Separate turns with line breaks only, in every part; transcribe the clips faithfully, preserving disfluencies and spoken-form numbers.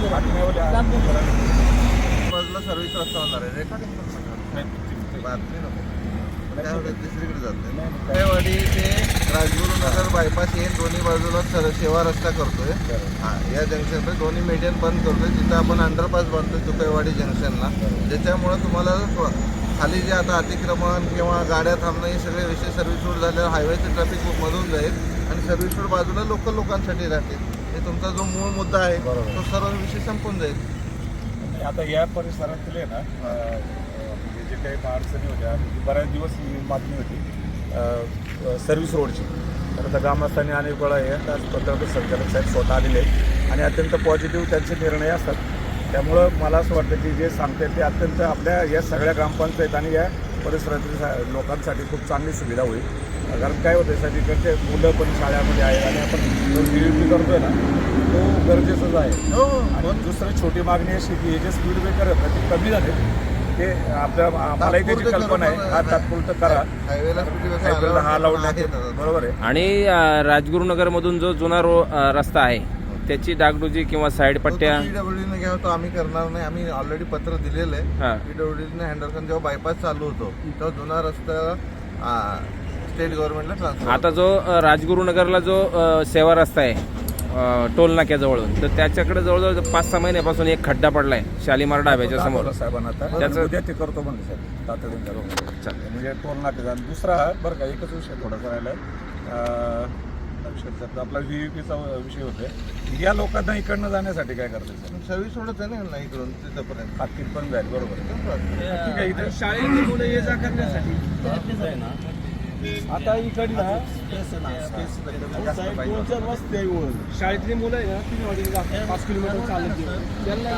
बाजूला सर्व्हिस रस्ता होणार आहे रेकॉर्डिंग बातमी नको दुसरीकडे जाते कुकाईवाडी ते राजगुरुनगर बायपास हे दोन्ही बाजूला सर सेवा रस्ता करतोय हां या जंक्शनला दोन्ही मीडियन बंद करतोय तिथं आपण अंडरपास बांधतोय कुकाईवाडी जंक्शनला ज्याच्यामुळं तुम्हाला खाली जे आता अतिक्रमण किंवा गाड्या थांबणं हे सगळे विषय सर्व्हिस रोड झाल्यावर हायवेचं ट्रॅफिक मधून जाईल आणि सर्व्हिस रोड बाजूला लोकल लोकांसाठी राहतील हे तुमचा जो मूळ मुद्दा आहे तो सर्व विषय संपून जाईल.
आता या परिसरातील आहे ना म्हणजे जे काही अडचणी होत्या बऱ्याच दिवस बातमी होती सर्व्हिस रोडची तर आता ग्रामस्थांनी अनेक वेळा हे पत्रकार संचालक साहेब स्वतः आलेले आहेत आणि अत्यंत पॉझिटिव्ह त्यांचे निर्णय असतात. त्यामुळं मला असं वाटतं की जे सांगतात ते अत्यंत आपल्या या सगळ्या ग्रामपंचायत आणि या परिसरातील लोकांसाठी खूप चांगली सुविधा होईल. कारण काय होतं साहेब इकडचे मुलं पण शाळेमध्ये आहेत आणि आपण जो डी यू पी करतोय ना तो गरजेचंच आहे. आणि दुसरी छोटी मागणी अशी की हे जे स्पीड ब्रेकर आहेत ते कमी झाले ते आपल्या आम्हालाही त्याची कल्पना आहे हा तात्पुरतं करा हायवेला हा लावून बरोबर आहे.
आणि राजगुरुनगरमधून जो जुना रो रस्ता आहे त्याची डागडुजी किंवा साईड पट्ट्या
पीडब्ल्यूडीने घ्यावं तो आम्ही करणार नाही. आम्ही ऑलरेडी पत्र दिलेलं आहे पीडब्ल्यूडीने हँडल करून जेव्हा बायपास चालू होतो तेव्हा जुना रस्ता स्टेट गव्हर्नमेंटला ट्रान्सफर.
आता जो राजगुरुनगरला जो सेवा रस्ता आहे टोल नाक्याजवळून तर त्याच्याकडे जवळजवळ पाच सहा महिन्यापासून एक खड्डा पडलाय शालीमार डाब्याच्या समोर
साहेबांना आता त्याचं उद्या ते करतो म्हणले साहेब तातडीने म्हणजे टोल नाक्याचा. दुसरा बरं का एकच विषय थोडासा राहिला आहे आपला व्ही यू पीचा विषय होतोय या लोकांना इकडनं जाण्यासाठी काय करतात
सर्व्हिस सोडत आहे ना इकडून तिथपर्यंत
हातकीत पण जाईल बरोबर ठीक आहे. इथे
शाळेतली मुलं ये जा करण्यासाठी आता इकडला दोन चार रस्ते शाळेतली मुलं आहे ना तीन वाजता पाच किलोमीटर चालत त्यांना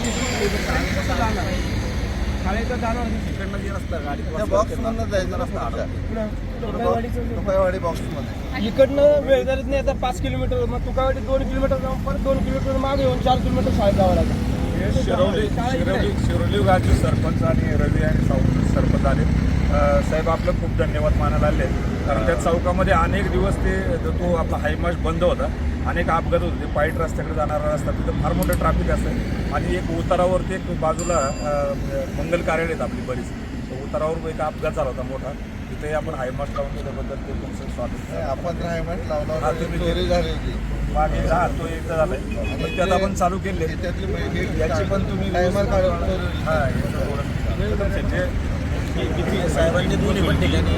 शाळेचा जाणार तिकडनं जे रस्ता गाडी
बॉक्समधनं जायचं रस्ता तुकाईवाडी बॉक्समध्ये
इकडनं वेळ झालीच नाही आता पाच किलोमीटर मग तुकाईवाडी दोन किलोमीटर जाऊन परत दोन किलोमीटर मागे येऊन चार किलोमीटर शाळेत जावं लागतं.
शिरवली शिरवली शिरोली गावचे सरपंच आणि रवी आणि सावंत सरपंच आले साहेब आपलं खूप धन्यवाद मानायला आले कारण त्या चौकामध्ये अनेक दिवस ते तो आपला हायमाश बंद होता अनेक अपघात होते पाईट रस्त्याकडे जाणारा रस्ता तिथं फार मोठं ट्रॅफिक असतं आणि एक उतारावरती एक बाजूला मंगल कार्यालय आहेत आपली बरीच उतारावर एक अपघात झाला होता मोठा तिथे आपण हायमाश लावून त्याच्याबद्दल ते तुमचं स्वागत
आपण हायमाश लावला चोरी झाली होती
मागे हा तो एकदा झालाय त्यात आपण चालू केले याची पण तुम्ही हां साहेबांनी दोन्ही पण ठिकाणी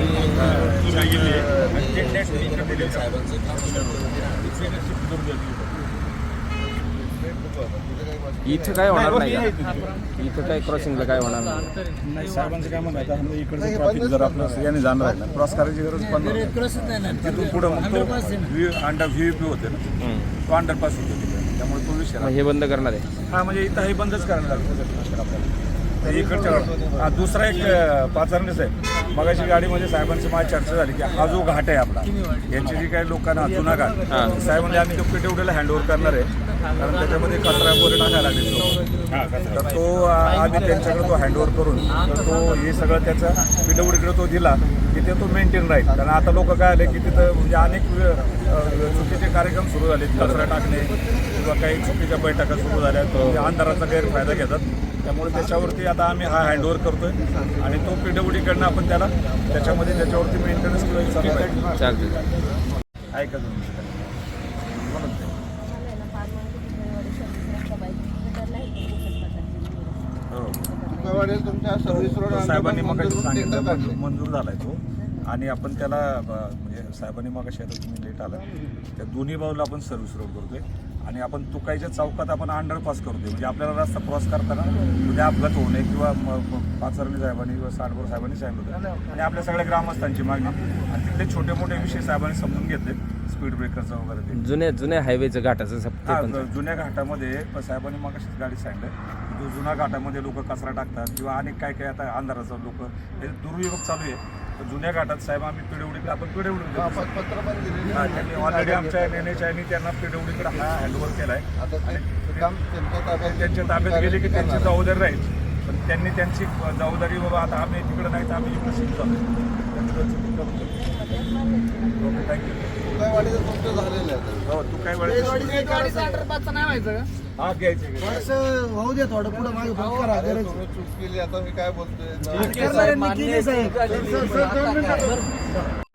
इथं काय होणार नाही इथं काय क्रॉसिंगला काय होणार
नाही. साहेबांचं काय म्हणायचं आहे इकडचं ट्रॅफिक जर आपलं याने जाणार आहे ना क्रॉस करायची गरज पण तिथून पुढं मग तो अंडर व्ही यू पी होते ना तो अंडरपास होतो तिकडे त्यामुळे तो विषय
हे बंद करणार आहे.
हा म्हणजे इथं हे बंदच करायला लागतं आपल्याला इकडच्या हा दुसरा एक पाचारणीच आहे मगाशी गाडीमध्ये साहेबांची माझी चर्चा झाली की हा जो घाट आहे आपला यांची जी काही लोकांना जुना घाट साहेब म्हणजे आम्ही तो पिटेवडेला हँडओव्हर करणार आहे कारण त्याच्यामध्ये कचरा वगैरे टाकायला लागले तर तो आम्ही त्यांच्याकडे तो हँडओव्हर करून तर तो हे सगळं त्याचा पिटेवडीकडे तो दिला की ते तो मेंटेन राहील. कारण आता लोक काय आले की तिथं म्हणजे अनेक चुकीचे कार्यक्रम सुरू झाले कचरा टाकणे किंवा काही चुकीच्या बैठका सुरू झाल्या अंधाराचा गैरफायदा घेतात त्यामुळे त्याच्यावरती आता आम्ही हा हँडओव्हर करतोय आणि तो पीडब्ल्यूडीकडनं आपण त्याला त्याच्यामध्ये त्याच्यावरती मेंटेनन्स किंवा
चालते
आहे का तुम्ही
तुमच्या सर्व्हिस रोड
साहेबांनी मग सांगितलं मंजूर झालाय तो आणि आपण त्याला म्हणजे साहेबांनी मग आता तुम्ही लेट आला त्या दोन्ही बाजूला आपण सर्व्हिस रोड करतोय आणि आपण तुकाईच्या चौकात आपण अंडरपास करतोय म्हणजे आपल्याला रस्ता क्रॉस करताना उद्या अपघात होऊ नये किंवा पाचरणी साहेबांनी किंवा साडभर साहेबांनी सांगितलं होतं आणि आपल्या सगळ्या ग्रामस्थांची मागणी आणि तिथले छोटे मोठे विषय साहेबांनी समजून घेतले स्पीड ब्रेकरचं वगैरे
जुन्या जुन्या हायवेचं घाटाचं
जुन्या घाटामध्ये साहेबांनी मग अशीच गाडी सांगितलं जो जुन्या घाटामध्ये लोक कचरा टाकतात किंवा अनेक काय काय आता अंधाराचं लोक हे दुर्वियोग चालू आहे तर जुन्या घाटात साहेब आम्ही पिढवडीकडे आपण पिढवडी त्यांनी ऑलरेडी आमच्या एन एच आयनी त्यांना पिढवडीकडे हा हँडओव्हर केला आहे त्यांच्या ताब्यात गेले की त्यांची जबाबदारी राहील पण त्यांनी त्यांची जबाबदारी बाबा आता आम्ही तिकडे नाही तर आम्ही इकडे शिकतो ओके थँक्यू
तुकाईवाडीचं तुमचं झालेलं आहे
हो तुकाईवाडी हा घ्यायचे घ्यायचे.
होऊ दे थोडं पुढे मागे करा
अरे तुम्ही चूक केली आता मी काय बोलतोय
करणाऱ्यांनी केली साहेब.